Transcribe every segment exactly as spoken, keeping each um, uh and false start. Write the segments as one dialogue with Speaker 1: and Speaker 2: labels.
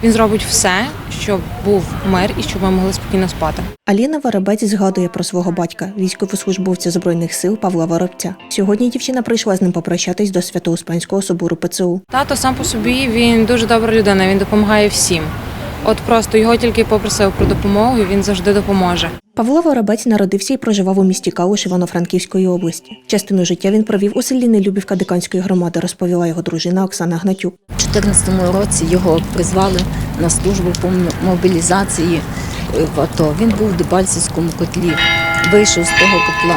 Speaker 1: Він зробить все, щоб був мир і щоб ми могли спокійно спати.
Speaker 2: Аліна Воробець згадує про свого батька, військовослужбовця Збройних сил Павла Воробця. Сьогодні дівчина прийшла з ним попрощатись до Свято-Успенського собору ПЦУ.
Speaker 1: Тато сам по собі, він дуже добра людина, він допомагає всім. От просто його тільки попросив про допомогу, і він завжди допоможе.
Speaker 2: Павло Воробець народився і проживав у місті Калуш Івано-Франківської області. Частину життя він провів у селі Нелюбівка Диканської громади, розповіла його дружина Оксана Гнатюк.
Speaker 3: У дві тисячі чотирнадцятому році його призвали на службу по мобілізації в АТО. Він був в Дебальцевському котлі, вийшов з того котла.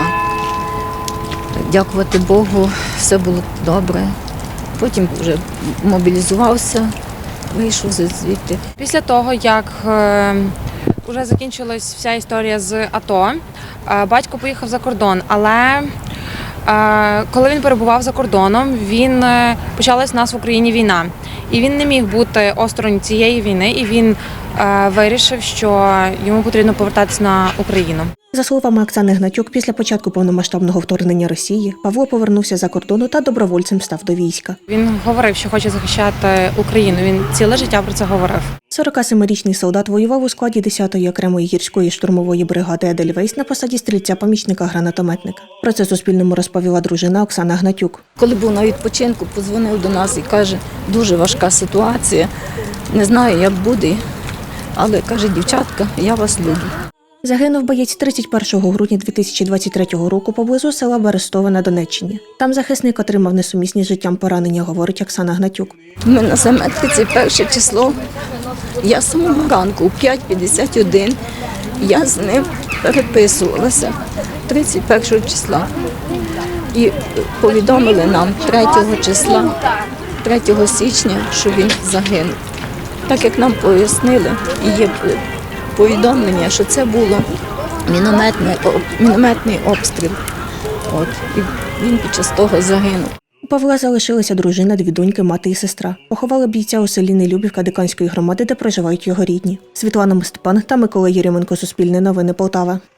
Speaker 3: Дякувати Богу, все було добре. Потім вже мобілізувався, вийшов звідти.
Speaker 1: Після того, як е, вже закінчилась вся історія з АТО, е, батько поїхав за кордон, але е, коли він перебував за кордоном, він е, почалась в нас в Україні війна. І він не міг бути осторонь цієї війни, і він е, вирішив, що йому потрібно повертатися на Україну.
Speaker 2: За словами Оксани Гнатюк, після початку повномасштабного вторгнення Росії Павло повернувся за кордону та добровольцем став до війська.
Speaker 1: Він говорив, що хоче захищати Україну. Він ціле життя про це говорив.
Speaker 2: сорокасемирічний солдат воював у складі десятої окремої гірської штурмової бригади «Едельвейс» на посаді стрільця-помічника-гранатометника. Про це Суспільному розповіла дружина Оксана Гнатюк.
Speaker 3: Коли був на відпочинку, подзвонив до нас і каже, дуже важка ситуація, не знаю, як буде, але каже, дівчатка, я вас люблю.
Speaker 2: Загинув боєць тридцять першого грудня дві тисячі двадцять третього року поблизу села Берестове на Донеччині. Там захисник отримав несумісні з життям поранення, говорить Оксана Гнатюк.
Speaker 3: Ми на заметці перше число, я з самого ранку, у п'ять п'ятдесят один, я з ним переписувалася тридцять першого числа. І повідомили нам третього числа, третього січня, що він загинув. Так як нам пояснили, і є повідомлення, що це було мінометний, мінометний обстріл. От, і він під час того загинув.
Speaker 2: У Павла залишилася дружина, дві доньки, мати і сестра. Поховали бійця у селі Нелюбівка Диканської громади, де проживають його рідні. Світлана Степан та Микола Єрьоменко, Суспільне новини, Полтава.